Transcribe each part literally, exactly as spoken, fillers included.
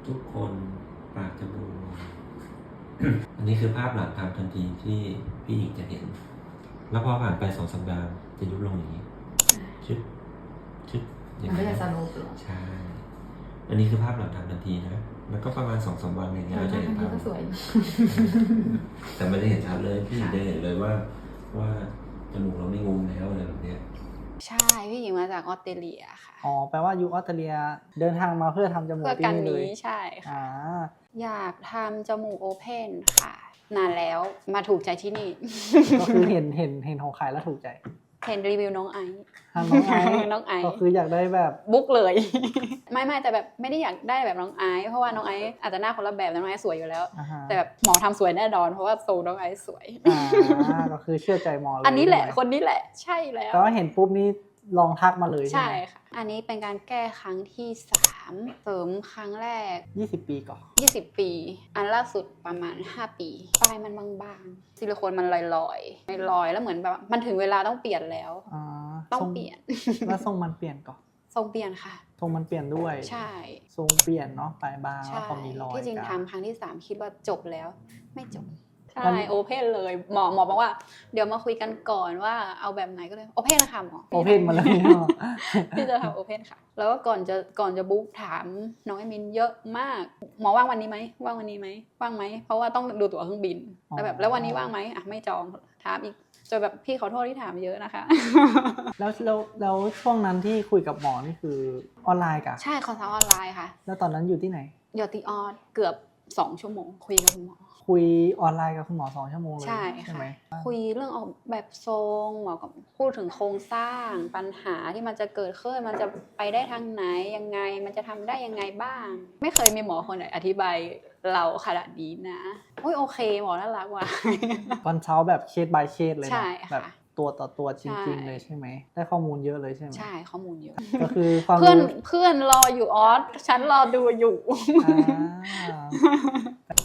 ทุกคนปากจะบวม อันนี้คือภาพหลังทำทันทีที่พี่หญิงจะเห็น แล้วพอผ่านไปสองสัปดาห์จะยุบลงอย่างนี้ชึบชึบอย่างมันนี้ก็จะสนุกหรอใช่ อันนี้คือภาพหลังทำทันทีนะ แล้วก็ประมาณสองสามวันอย่างเงี้ยเราจะเห็นภาพก็สวยแต่ไม่ได้เห็นชัดเลยพี่หญิงจะเห็นเลยว่าว่าจมูกเราไม่งุมแล้วอะไรแบบเนี้ยใช่พี่หญิงมาจากออสเตรเลียค่ะอ๋อแปลว่าอยู่ออสเตรเลียเดินทางมาเพื่อทำจมูกเพื่อที่กันนี่เลยนี้ใช่ค่ะอ่าอยากทำจมูกโอเพนค่ะ นานแล้วมาถูกใจที่นี่ก็คือเห็นเห็นเห็นของขายแล้วถูกใจเห็นรีวิวน้องไอซ์ทางน้องไอซ์น้องไอซ์ก็คืออยากได้แบบบุ๊กเลย ไม่ไม่แต่แบบไม่ได้อยากได้แบบน้องไอซ์เพราะว่าน้องไอซ์อาจจะหน้าคนละแบบแต่น้องไอซ์สวยอยู่แล้วอ่าฮะแต่แบบหมอทำสวยแน่นอนเพราะว่าโซน้องไอซ์สวยอ่าก็คือเชื่อใจหมอเลยอันนี้แหละใช่ไมคนนี้แหละใช่แล้วก็เห็นปุ๊บนี่ลองทักมาเลยใช่ใช่ไหมค่ะอันนี้เป็นการแก้ครั้งที่สามเสริมครั้งแรกยี่สิบปีก่อนยี่สิบปี อันล่าสุดประมาณห้าปีปลายมันบางๆซิลิโคนมันลอยๆลอยๆแล้วเหมือนแบบมันถึงเวลาต้องเปลี่ยนแล้วอ่าต้องทรเปลี่ยนแล้วทรงมันเปลี่ยนก่อนทรงเปลี่ยนค่ะทรงมันเปลี่ยนด้วยใช่ทรงเปลี่ยนเนาะปลายบางใช่แล้วพอมีรอยที่จริงกันทำครั้งที่สามคิดว่าจบแล้วไม่จบมัใช่นโอเพนเลยหมอหมอบอกว่าเดี๋ยวมาคุยกันก่อนว่าเอาแบบไหนก็เลยโอเพนนะคะหมอโอเพนมาเลยเนาะพี่จะทำโอเพนค่ะ แล้วก็ก่อนจะก่อนจะบุ๊กถามน้องไอมินเยอะมาก หมอว่างวันนี้ไหมว่างวันนี้ไหมว่างไหมเพราะว่าต้องดูตั๋วเครื่องบินแล้วแบบแล้ววันนี้ว่างไหมอ่ะไม่จองถามอีกจนแบบพี่ขอโทษที่ถามเยอะนะคะแล้วแล้วแล้วช่วงนั้นที่คุยกับหมอนี่คือออนไลน์กะใช่คอนซัลท์ออนไลน์ค่ะแล้วตอนนั้นอยู่ที่ไหนยอติออสเกือบสองชั่วโมงคุยกับคุณหมอคุยออนไลน์กับคุณหมอสองชั่วโมงเลยใช่ใช่ค่ะไหมคุยเรื่องออกแบบทรงหมอก็พูดถึงโครงสร้างปัญหาที่มันจะเกิดขึ้นมันจะไปได้ทางไหนยังไงมันจะทำได้ยังไงบ้าง ไม่เคยมีหมอคนไหนอธิบายเราขนาดนี้นะโอ้ยโอเคหมอน่ารักว่ะคอนซัลท์แบบเคส by เคสเลยใช่นะค่ะแบบตัวต่อตัวจริงใช่ๆเลยใช่ไหมได้ข้อมูลเยอะเลยใช่ไหมใช่ข้อมูลเยอะก็คือความเพื่อนรู้เพื่อนรออยู่ออสฉันรอดูอยู่อ่า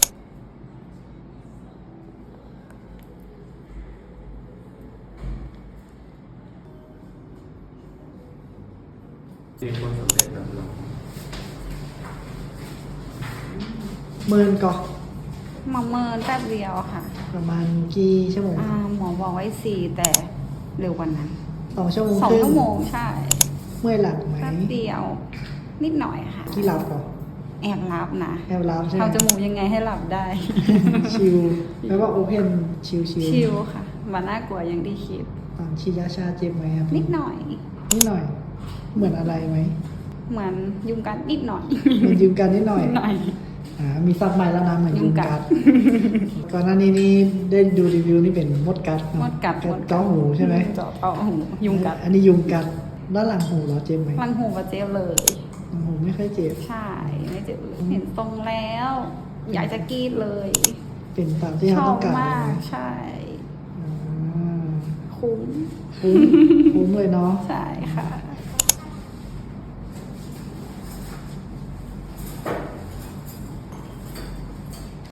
มีคนสำเร็จแบบเราหมื่นก่อนหมอเมินแป๊บเดียวค่ะประมาณกี่ชั่วโมงอ่าหมอบอกไว้สี่แต่เร็วกว่านั้นสองชั่วโมงสองครึ่ชั่วโมงใช่เมื่อยหลังไหมแป๊บเดียว นิดหน่อยค่ะที่รับก่อนแอบรับนะแอบรับใช่ไหมทำจมูกยังไงให้หลับได้ชิลแปลว่าโอเพนชิลชิลชิลค่ะมันน่ากลัวอย่างที่คิดตอนฉีดยาชาเจ็บไหมครับนิดหน่อยนิดหน่อย เหมือนอะไรไหมเหมือนยุงกัดนิดหน่อยมันยืมกันนิดหน่อยนิดหน่อยอ่ามีซับใหม่แล้วนะเหมือนยุยุงงกักัดด ก่อนหน้านี้นี่ได้ดูรีวิวนี่เป็นมดกัดเนอะมดกัดเจาะหูใช่ไหมเจาะเจาะหูยุงกัดอันนี้ยุงกัดด้านหลังหูเหราเจ็บไหมลังหูกับเจ็บเลยหลังหูไม่ค่อยเจ็บใช่ไม่เจ็บเลยเห็นทรงแล้ว อยากจะกรีดเลยเป็นตามที่ชเราอต้บองการมากเลยนะใช่อ่าคุ้มคุ้มคุ้มเลยเนาะใช่ค่ะ